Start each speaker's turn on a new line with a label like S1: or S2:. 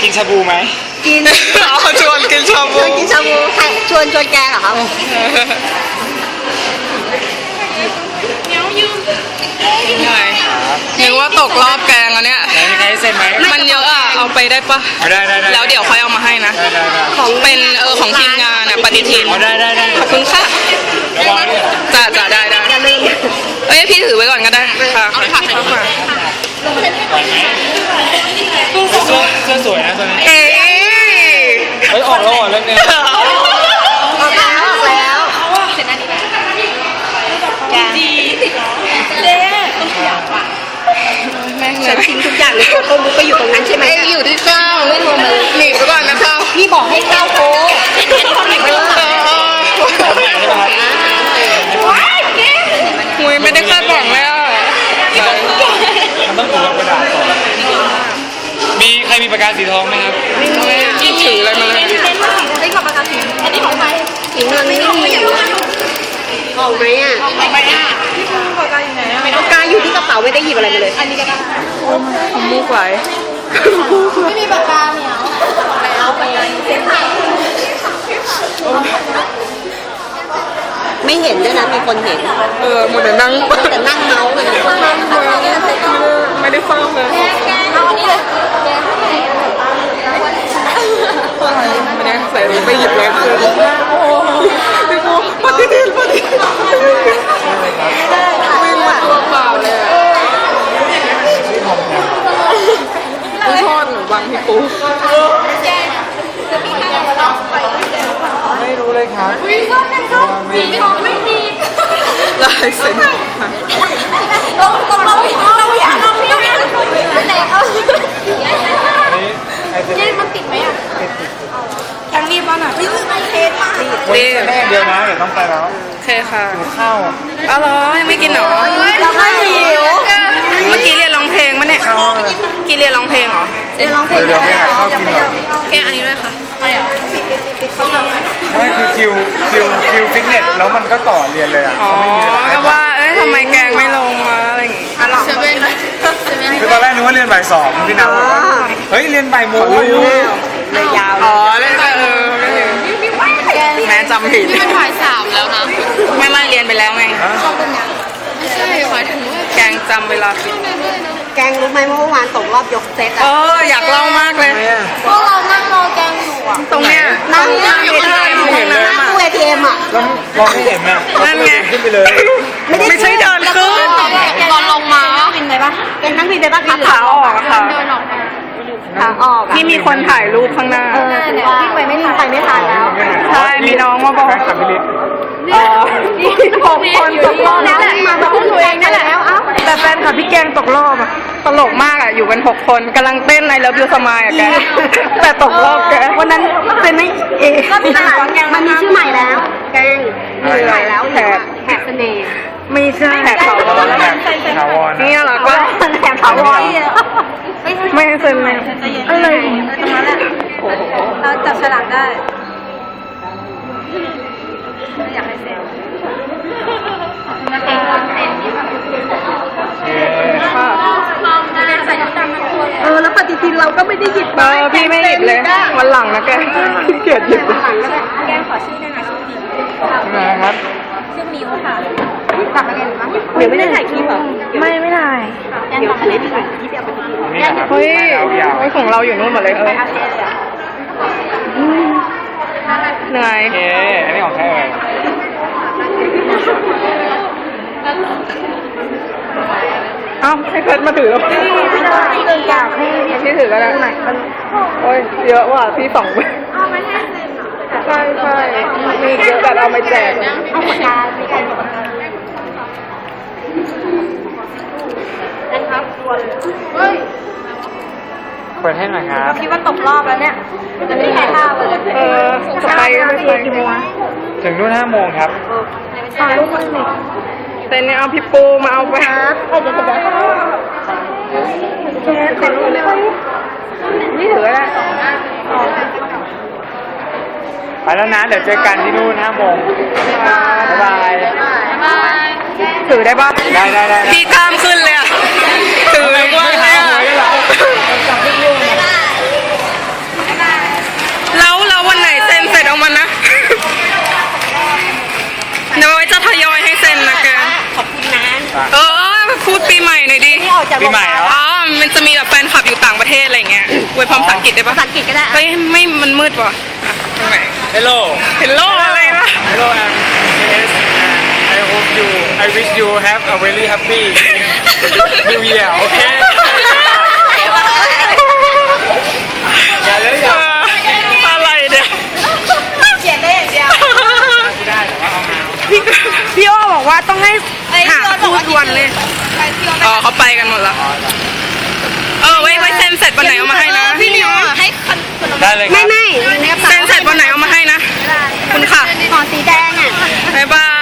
S1: กินชาบูไหม
S2: กิน
S1: ชวนกินชาบู
S2: กินชาบูชวนแกเหรอครับ
S3: นึกว่าตกรอบแกงอันเนี้ย
S1: มีใครเซ็นไหม
S3: มันเยอะอ่ะเอาไปได้ปะ
S1: ได้
S3: แล้วเดี๋ยวค่อยเอามาให้นะของเป็นของทีมงานอ่ะปฏิทิน
S1: ได้
S3: ขอบคุณค่ะจะได้เอ้ยพี่ถือไว้ก่อนก็ได้ค่ะเอาผักให้ค่ะ
S1: เสื้อสวยนะตัวนี้
S3: เอ้
S1: ยออกแล้วเรื่องนี้
S2: ออกแล้วเสร็จแล้วดีเจ๊ฉันทิ้งทุกอย่างเลยตัวต้นมุกไปอยู่ตรงนั้นใช่ไหม
S3: อยู่ที่ข้าวไม่โทรมาหนีไปก่อนนะข้าว
S2: พี่บอกให้ข้าวโค้งอันนี้เขาหนีไปแล้ว
S3: หุยไม่ได้คาดหวังเลยอ่ะ
S1: มันต้องถูกกระดาษก่อนมีใครมีปากกาสีทองไหมครับ
S3: ที่ถืออะไรมาเลย
S2: ได้ขอบปากกาสีอันนี้ของใครสีเงินไม่มีออกไหมอ่ะ
S3: ออกไหมอ่ะ
S2: ปากกาอยู่ไหนอ่ะปากกาอยู่ที่กระเป๋าไม่ได้หยิบอะไรมาเลยอันนี้ก็ได้
S3: ทำมูกไหล
S2: ไม่มีปากกาเหนียวแล้วไปเซ็นไม่เห็นด้วยนะมีคนเห็น
S3: หมดแต่นั่ง
S2: เมาส์เลย
S3: ไม่ได้ฟังเลย
S2: เอาอันนี้เลย
S3: ไม่ได้ใส่ไปหยิบเลยคือพี่ปูปฏิทินวิ่งมาตัวเปล่าเลยผู้ทอดหรือบางพี่ปู
S1: ไม่รู้เลยครับ
S2: ไม่มี
S3: ลายเซ็น
S2: เราอยากแต่เขาเจ๊มันติดไหมอ่ะยังรีบมาหน่อยไม่เทสมาก
S1: แม่เดียวนะเดี๋ยวต้องไปแล้ว
S3: โอเคค่ะ
S1: ข้าว
S3: อร่อยไม่กินหรอ
S2: เราไม่หิว
S3: เมื่อกี้เรียนร้องเพลงมั้ยเนี่ยกี่เรียนร้องเพลงเหรอ
S2: เรียนร้องเพลง
S1: เดี๋ยวไปหาข้าวกินหน่อย
S3: แกอันนี้ด้วยค่ะ
S1: ไม่คือคิวฟิตเนสแล้วมันก็ต่อเรียนเลยอ่ะ
S3: ก็ว่าทำไมแกงไม่ลงมาอะไรอย่างงี้
S1: คือตอนแรกนึกว่าเรียนบ่าย 2พี่น้ำบอกว่าเฮ้ยเรียนบ่ายโมง
S2: เลยยาว
S3: เล่นไปแม่จำผิด
S2: นี่มันบ่าย 3แล้วนะ
S3: ไม่มาเรียนไปแล้วไง
S2: ไม่ใช่หมายถึงว่า
S3: แกงจำเวลาผิด
S2: แกงรู้ไหมเมื่อวานตกรอบยกเซต
S3: อยากเล่ามากเลย
S2: พวกเรานั่งรอแกงอยู่อ่ะ
S3: ตรงเนี้ย
S2: นั่งอยู่ที่ตู้ ATM อ่ะ
S1: แล้วมองไม่เห็นอ่ะ
S3: นั่นไง
S1: ขึ้นไปเลย
S3: ไม่ใช่เดินขึ้น
S2: ตอนลงมาบินไปปะแกงนั่งบินไปปะ
S3: ขาออกค่ะ
S2: ขาออก
S3: ที่มีคนถ่ายรูปข้างหน้า
S2: วิ่งไปไม่ทันแล้ว
S3: ใช่มีน้องมาบอก6 คนตกรอบ
S2: แล้วมาบอกตัวเองนั่นแหละ
S3: แต่แฟนค่ะพี่แกงตกรอบอ่ะตลกมากอ่ะอยู่กัน6 คนกำลังเต้นในเลิฟยูสมายอ่ะแกแต่ตกรอบแกวันนั้นเป็นไม่
S2: ก็มีตลาดแกงมันมีชื่อใหม่แล้วแกงมีใหม่แล้วแถบเสน่ห์
S3: ไม่ใช่แถบถาวรนี่เหรอก็
S2: แถบถาวร
S3: ไม่เซ็นเลย
S2: อะไรตรงนั้นแหละเราจับฉลากได้อยากให้เซ็นแล้วปฏิทินเราก็ไม่ได้หยิบ
S3: พี่ไม่หยิบเลยวันหลังนะแกขี้เกียจหยิบ
S2: แกขอชื่อได้ไหมชื่อมิว
S1: นะครับ
S2: ชื่อมิวค่ะกลับมาเรียนมั้งเดี๋ยวไม่ได้ถ่ายคลิปเหรอ
S3: ไม่ถ่าย
S2: แกกลับมาเรียนที่ไหนที่เดียวปฏิทิน
S3: เฮ้ยของเราอยู่นู่นหมดเลย
S2: ไปอาเซียนเลย
S3: เหนื่อย
S1: อันนี้ของใครเอ่ย
S3: ให้เพชรมาถือ
S2: อยากให้
S3: พี่ถือก็ได้โอ้ยเยอะว่ะพี่2ใช่มีเยอะแต่เอาไม่แจก
S2: เอาปากกาไม่ได้ปากกานั่นครับเฮ้ย
S1: เปิดให้หน่อยครับ
S2: คิดว่าตกรอบแล้วเนี่ยจะไม่แข่งข้าวเลย
S3: จะไป
S2: กี่โมง
S1: ถึงนู่น5 โมงครับ
S2: ถ่ายรูปมาหนึ่ง
S3: แต่เนี่ยเอาพี่ปูมาเอาไปนี่ถืออะไร
S1: ไปแล้วนะเดี๋ยวเจอกันที่นู่น5 โมงบ๊ายบาย
S3: ถือได้ปะ
S1: ได้
S3: พี่กล้ามขึ้นเลยอ่ะถือว่าอะไรอ่ะ
S2: จาก
S1: ปีใหม่เหรอ
S3: อ๋อ มันจะมีแบบแฟนคลับอยู่ต่างประเทศอะไรเงี้ยอวยพรภาษาอังกฤษได้ปะ
S2: ภาษาอังกฤษก็ได้
S3: เฮ้ยไม่มันมืดว่ะอ่ะตรงไหน
S1: Hello
S3: Hello อะไรวะ
S1: Hello I'm KS and I hope you I wish you have a very happy New Year okay อย่าเลยอย่า
S3: อะไรเนี่ย
S2: เขียนได้อย่างเดียว
S1: ไม่ได้แต่ว่าเอามา
S3: พี่โอบอกว่าต้องให้หาคู่ทวนเลย อ๋อเขาไปกันหมดแล้วไว้เซ็นเสร็จวันไหนเอามาให้นะ
S2: พี่นิวให้ขนม
S1: ได้เลยครับ
S2: ไม่
S3: เซ็นเสร็จวันไหนเอามาให้นะ คุณค่ะ
S2: ห่อสีแดงอ่ะ
S3: บ๊ายบาย